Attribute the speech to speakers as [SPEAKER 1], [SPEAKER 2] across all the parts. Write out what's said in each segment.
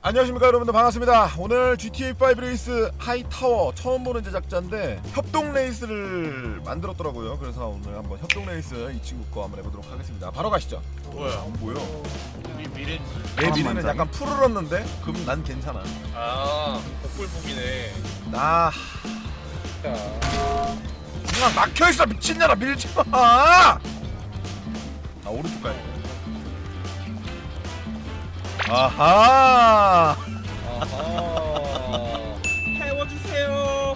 [SPEAKER 1] 안녕하십니까 여러분들, 반갑습니다. 오늘 GTA5 레이스 하이타워 처음 보는 제작자인데 협동 레이스를 만들었더라고요. 그래서 오늘 한번 협동 레이스 이 친구 거 한번 해보도록 하겠습니다. 바로 가시죠.
[SPEAKER 2] 뭐야?
[SPEAKER 1] 안 보여.
[SPEAKER 2] 미래.
[SPEAKER 1] 내 미래는 약간 푸르렀는데 그럼 난 괜찮아.
[SPEAKER 2] 아, 복불복이네.
[SPEAKER 1] 나 중앙 막혀있어. 미친년아, 밀지마. 아, 오른쪽 가야 돼. 아하.
[SPEAKER 2] 아하. 태워주세요.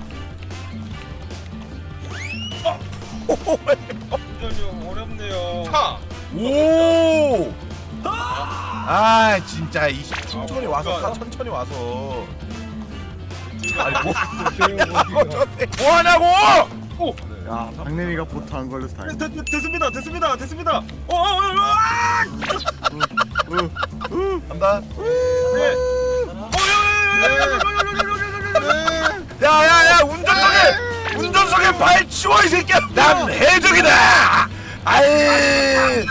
[SPEAKER 2] 운전이 어렵네요. 차.
[SPEAKER 1] 오. 아 진짜 이 천천히 와서 타. 천천히 와서. 아니 뭐 하냐고.
[SPEAKER 3] 야, 박내미가 보트 안 걸려서 다행이다.
[SPEAKER 2] 됐습니다.
[SPEAKER 1] 간다.
[SPEAKER 2] 네.
[SPEAKER 1] 야야야, 운전석에 발 치워 이 새끼야. 난 해적이다. 아이.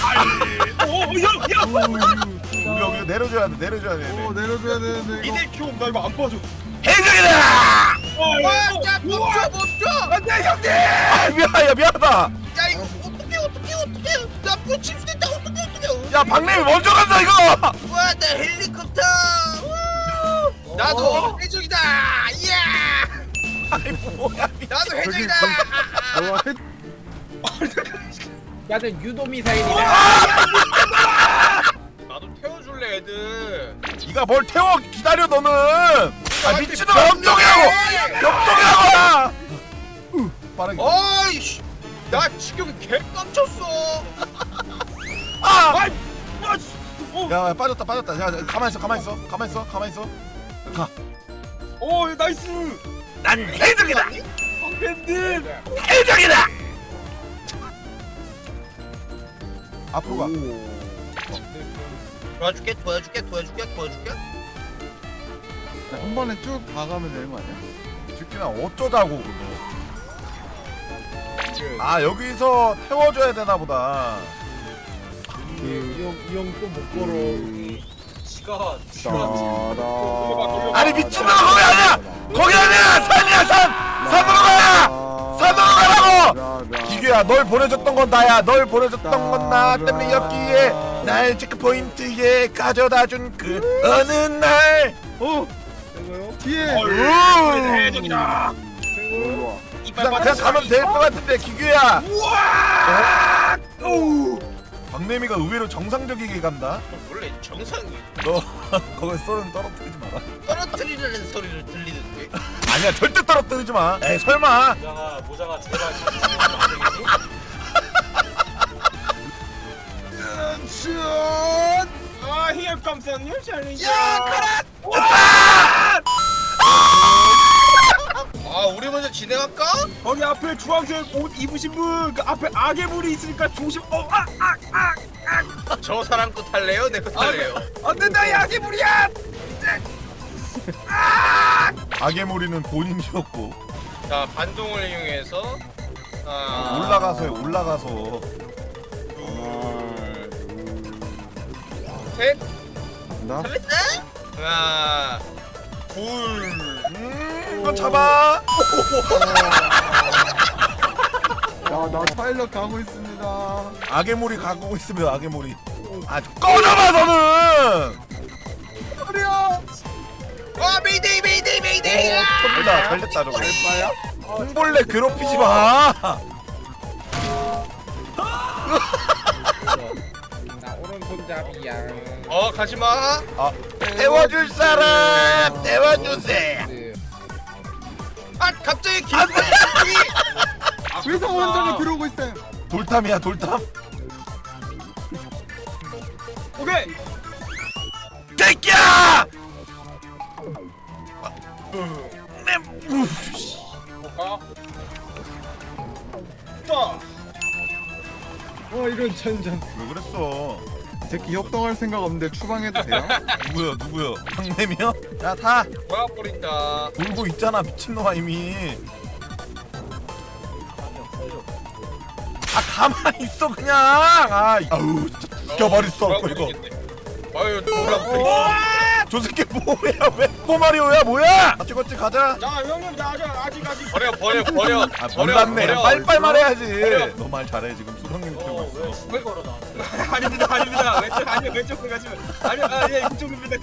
[SPEAKER 1] 여기 내려줘야 돼.
[SPEAKER 3] 내려줘야 되는데.
[SPEAKER 2] 이들 키움 나 이거 안 봐줘.
[SPEAKER 1] 해적이다.
[SPEAKER 4] 야 멈춰
[SPEAKER 1] 안돼 형님. 아 미안하다.
[SPEAKER 4] 야 이거 어떡해 나뭐 침수됐다 어떡해
[SPEAKER 1] 야 박래미 먼저 간다 이거.
[SPEAKER 4] 와나 헬리콥터 나도 해적이다 이야
[SPEAKER 1] 아이 뭐야.
[SPEAKER 4] 나도 해적이다
[SPEAKER 3] 너와 해.
[SPEAKER 5] 나는 유도 미사일이다.
[SPEAKER 2] 나도 태워줄래 애들.
[SPEAKER 1] 네가 뭘 태워. 기다려 너는. 아 미친놈아, 역동이라고. 빠르게.
[SPEAKER 4] 어이씨 나 지금 개 깜쳤어
[SPEAKER 1] 아!
[SPEAKER 2] 어.
[SPEAKER 1] 야 빠졌다. 야 가만 있어. 가.
[SPEAKER 2] 오 나이스.
[SPEAKER 1] 난 해적이다.
[SPEAKER 2] 밴드.
[SPEAKER 1] 해적이다. 앞으로 가.
[SPEAKER 4] 도와줄게
[SPEAKER 3] 한 번에 쭉 가가면 되는 거 아니야?
[SPEAKER 1] 듣기나 어쩌자고 그거. 아 여기서 태워줘야 되나 보다.
[SPEAKER 5] 이형또못 걸어.
[SPEAKER 2] 시간.
[SPEAKER 1] 아니 미친놈아, 거기 아니야. 산으로 가라고. 기계야, 널 보내줬던 건 나야. 널 보내줬던 건 나 때문에 여기에 날 체크포인트에 가져다준 그 어느 날.
[SPEAKER 3] 뒤에.
[SPEAKER 2] 해적이다.
[SPEAKER 1] 그냥 가면 될 것 같은데 기규야. 박내미가 의외로 정상적이게 간다.
[SPEAKER 4] 원래 정상이
[SPEAKER 1] 너 거기 썰은 떨어뜨리지 마라.
[SPEAKER 4] 떨어뜨리려는 소리를 들리는데
[SPEAKER 1] 아니야, 절대 떨어뜨리지 마. 에이 설마.
[SPEAKER 2] 모장아 제발. 아 here comes a new challenge.
[SPEAKER 4] 아 우리 먼저 진행할까?
[SPEAKER 2] 거기 앞에 주황색 옷 입으신 분, 그 앞에 악의 물이 있으니까 조심.
[SPEAKER 4] 저 사람 거 탈래요? 내 거 탈래요?
[SPEAKER 2] 안 된다, 이 악의 물이야.
[SPEAKER 1] 악의 무리는 본인이었고.
[SPEAKER 2] 자 반동을 이용해서
[SPEAKER 1] 올라가서 해, 올라가서.
[SPEAKER 2] 셋,
[SPEAKER 3] 나?
[SPEAKER 2] 하나, 둘.
[SPEAKER 1] 이거 잡아.
[SPEAKER 3] 나 파일럿 가고 있습니다.
[SPEAKER 1] 악의 무리 가고 있으면 악의 무리. 아 꺼져봐 너는.
[SPEAKER 4] 와 메이데이
[SPEAKER 1] 잘 됐다 저거. 홍벌레 괴롭히지 마.
[SPEAKER 5] 나 오른손잡이야.
[SPEAKER 2] 가지마.
[SPEAKER 1] 아 태워줄 사람 태워주세요.
[SPEAKER 4] 아 갑자기
[SPEAKER 1] 안 돼.
[SPEAKER 3] 회사 원장이 들어오고 있어요.
[SPEAKER 1] 돌탐이야 돌탐.
[SPEAKER 2] 오케이.
[SPEAKER 1] 새끼야.
[SPEAKER 5] 이런 천장.
[SPEAKER 1] 왜 그랬어?
[SPEAKER 3] 이 새끼 협동할 생각 없는데 추방해도 돼요?
[SPEAKER 1] 누구야? 박내미야? 야 타.
[SPEAKER 2] 막아버린다.
[SPEAKER 1] 돌고 있잖아 미친놈아 이미. 아 가만히 있어 그냥. 아우 진짜 죽여버릴 수 없고 이거.
[SPEAKER 2] 아유 놀랍다.
[SPEAKER 1] 저 새끼 뭐야? 왜 꼬마리오야 뭐야? 찍었지 가자.
[SPEAKER 2] 자 형님 나 아직
[SPEAKER 6] 버려.
[SPEAKER 1] 아 몰랐네.
[SPEAKER 6] 버려.
[SPEAKER 1] 빨리빨리 말해야지.
[SPEAKER 6] 버려.
[SPEAKER 1] 너 말 잘해 지금 수령님 들고 있어.
[SPEAKER 6] 왜 걸어 나?
[SPEAKER 2] 아닙니다 왼쪽으로 가시면 아니예 그쪽입니다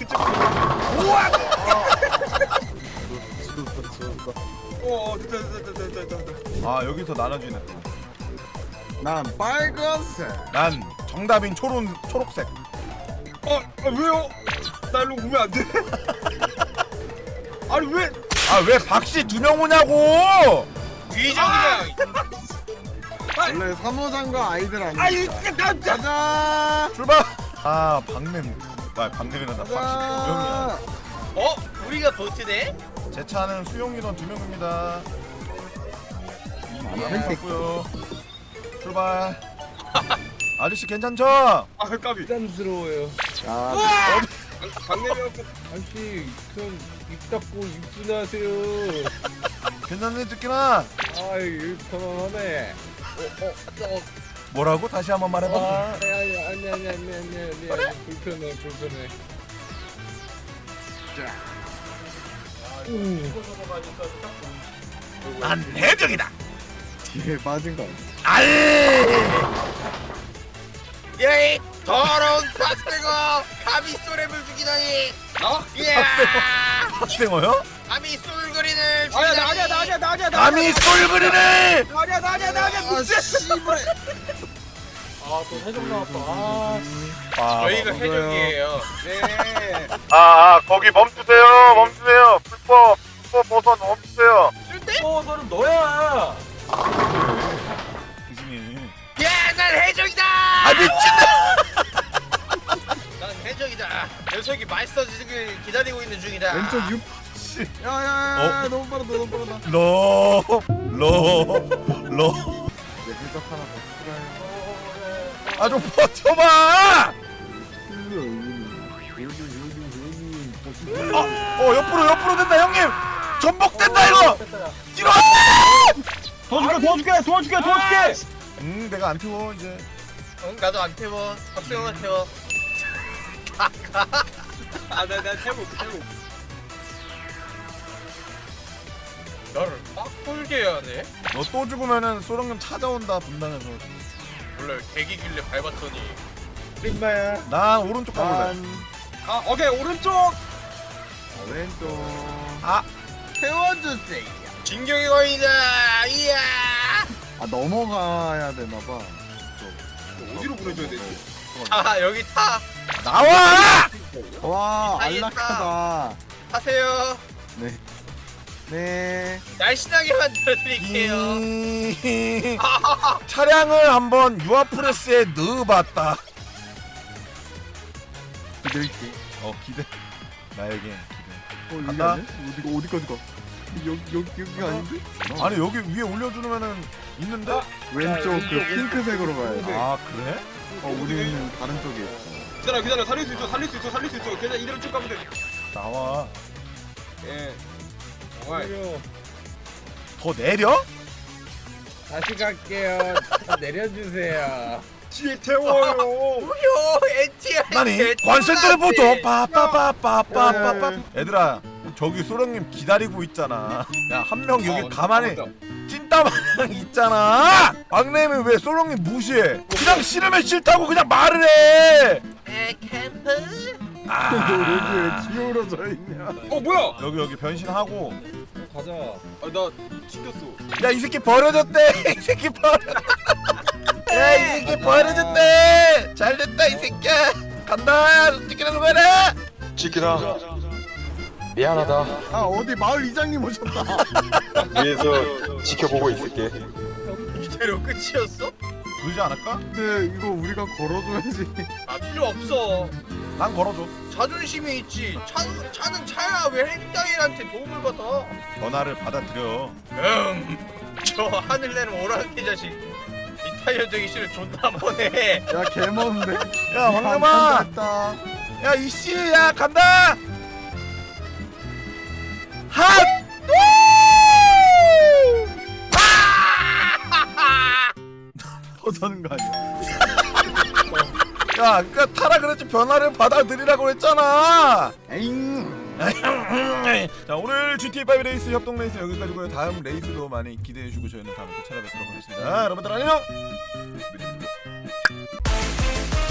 [SPEAKER 2] 오 됐다
[SPEAKER 1] 아 여기서 나눠지네.
[SPEAKER 3] 난 빨간색.
[SPEAKER 1] 난 정답인 초록색.
[SPEAKER 2] 왜요? 나 일로 오면 안 돼? 아니 왜?
[SPEAKER 1] 아 왜 박씨 2명 오냐고?
[SPEAKER 6] 뒤적이야.
[SPEAKER 3] 원래 사무장과 아이들 아니야.
[SPEAKER 2] 아니 나
[SPEAKER 3] 가자.
[SPEAKER 1] 출발. 아 박냄이란다. 박씨 2명이야.
[SPEAKER 6] 어? 우리가 보트네?
[SPEAKER 1] 제 차는 수용 인원 2명입니다. 고요 출발. 아저씨 괜찮죠?
[SPEAKER 2] 아 까비
[SPEAKER 5] 부담스러워요.
[SPEAKER 3] 야,
[SPEAKER 2] 강내미하고
[SPEAKER 5] 아저씨 그럼 입 닫고 입순하세요.
[SPEAKER 1] 괜찮네 듣기나.
[SPEAKER 5] 아이 편안하네.
[SPEAKER 1] 뭐라고? 다시 한번 말해봐.
[SPEAKER 5] 아니 불편해.
[SPEAKER 1] 난 해적이다.
[SPEAKER 3] 뒤에 빠진 거.
[SPEAKER 6] 예이 더러운 박새거 감히 쏘랩을 죽이다니. 이야
[SPEAKER 1] 학생어요?
[SPEAKER 6] 감히 쏠거리를
[SPEAKER 2] 아니야 나냐
[SPEAKER 1] 감히 쏠그리네.
[SPEAKER 2] 나냐
[SPEAKER 3] 씨발.
[SPEAKER 6] 아또 해적 나왔다.
[SPEAKER 1] 아,
[SPEAKER 6] 저희가 해적이에요.
[SPEAKER 2] 네
[SPEAKER 1] 거기 멈추세요. 불법 버선 멈추세요.
[SPEAKER 6] 너는 너야.
[SPEAKER 1] 기승이.
[SPEAKER 6] 야난 해적이다.
[SPEAKER 1] 아 미친다.
[SPEAKER 6] 난 해적이다. 녀석이 맛있어지길 기다리고 있는 중이다.
[SPEAKER 3] 왼쪽 6.
[SPEAKER 1] 씨.
[SPEAKER 3] 야야야 너무 빠르다.
[SPEAKER 1] 로.
[SPEAKER 3] 내 해적 하나 더 필요해.
[SPEAKER 1] 아 좀 버텨봐. 옆으로 된다 형님. 전복된다 이거. 뒤로.
[SPEAKER 2] 도와줄게
[SPEAKER 1] 내가 안 태워 이제.
[SPEAKER 6] 응 나도 안 태워. 박수영아 태워.
[SPEAKER 2] 아나 태워
[SPEAKER 6] 너를 막 꼴게 해야 돼?
[SPEAKER 1] 너 또 죽으면은 소령님 찾아온다 분당에서.
[SPEAKER 6] 원래 대기길래 밟았더니
[SPEAKER 5] 림마야.
[SPEAKER 1] 난 오른쪽 가볼래.
[SPEAKER 2] 아 오케이 오른쪽
[SPEAKER 3] 왼쪽.
[SPEAKER 1] 아
[SPEAKER 3] 태워주세요.
[SPEAKER 6] 진격의 거인이다. 이야.
[SPEAKER 3] 아 넘어가야 되나봐.
[SPEAKER 2] 어디로 보내줘야 되지?
[SPEAKER 6] 아 여기 타.
[SPEAKER 1] 나와.
[SPEAKER 3] 와
[SPEAKER 6] 알겠다.
[SPEAKER 3] 안락하다.
[SPEAKER 6] 타세요.
[SPEAKER 3] 네.
[SPEAKER 6] 날씬하게 만들어드릴게요.
[SPEAKER 1] 차량을 한번 유아프레스에 넣어봤다.
[SPEAKER 3] 기댈게.
[SPEAKER 1] 기대. 나에게 기대.
[SPEAKER 3] 여기
[SPEAKER 1] 간다.
[SPEAKER 3] 아니야? 어디까지 가? 여기 아닌데?
[SPEAKER 1] 아니 여기 위에 올려주면은 있는데?
[SPEAKER 3] 왼쪽 그 핑크색으로 가야 돼.
[SPEAKER 1] 아 그래?
[SPEAKER 3] 우리는 다른 쪽에 있어.
[SPEAKER 2] 기다려 살릴 수 있어 괜찮아 이대로 쭉 가면 돼
[SPEAKER 1] 나와.
[SPEAKER 2] 예. 정말
[SPEAKER 1] 더 내려?
[SPEAKER 5] 다시 갈게요. 다 내려주세요.
[SPEAKER 2] 뒤에 태워요
[SPEAKER 6] 무효 엔티야.
[SPEAKER 1] 나니 관센터를 보죠. 빠빠빠빠빠빠빠. 얘들아 저기 소령님 기다리고 있잖아. 야 한 명 여기 가만히 찐따마냥 있잖아. 박래미 왜 소령님 무시해? 그냥 싫으면 싫다고 그냥 말을 해.
[SPEAKER 6] 캠프?
[SPEAKER 1] 아
[SPEAKER 3] 여기 왜 기울어져 있냐?
[SPEAKER 2] 뭐야
[SPEAKER 1] 여기 변신하고.
[SPEAKER 5] 가자.
[SPEAKER 2] 나 튕겼어
[SPEAKER 1] 야 이 새끼 버려졌대. 이 새끼 야 이 새끼 버려졌대. 잘됐다 이 새끼야. 간다. 찍기라도 가라.
[SPEAKER 7] 지키라 미안하다.
[SPEAKER 3] 아 어디 마을 이장님 오셨다.
[SPEAKER 7] 위에서 지켜보고 있을게.
[SPEAKER 6] 이대로 끝이었어?
[SPEAKER 1] 그러지 않을까?
[SPEAKER 3] 근데 이거 우리가 걸어줘야지.
[SPEAKER 6] 아 필요 없어.
[SPEAKER 1] 난 걸어줘.
[SPEAKER 6] 자존심이 있지. 차는 차야. 왜 행장이한테 도움을 받아?
[SPEAKER 1] 전화를 받아들여.
[SPEAKER 6] 저 하늘내는 오랑캐 자식. 이탈리아 되기 싫어. 존나 한번 해.
[SPEAKER 3] 야 개먼데.
[SPEAKER 1] 야 황금아.
[SPEAKER 3] 했다.
[SPEAKER 1] 야 이씨 야 간다. 핫. 벗어는 거 아니야? 그러니까 타라 그랬지 변화를 받아들이라고 했잖아.
[SPEAKER 3] 에잉.
[SPEAKER 1] 자 오늘 GTA5 레이스 협동 레이스 여기까지고요. 다음 레이스도 많이 기대해주고 저희는 다음에 또 찾아뵙도록 하겠습니다. 여러분들 안녕.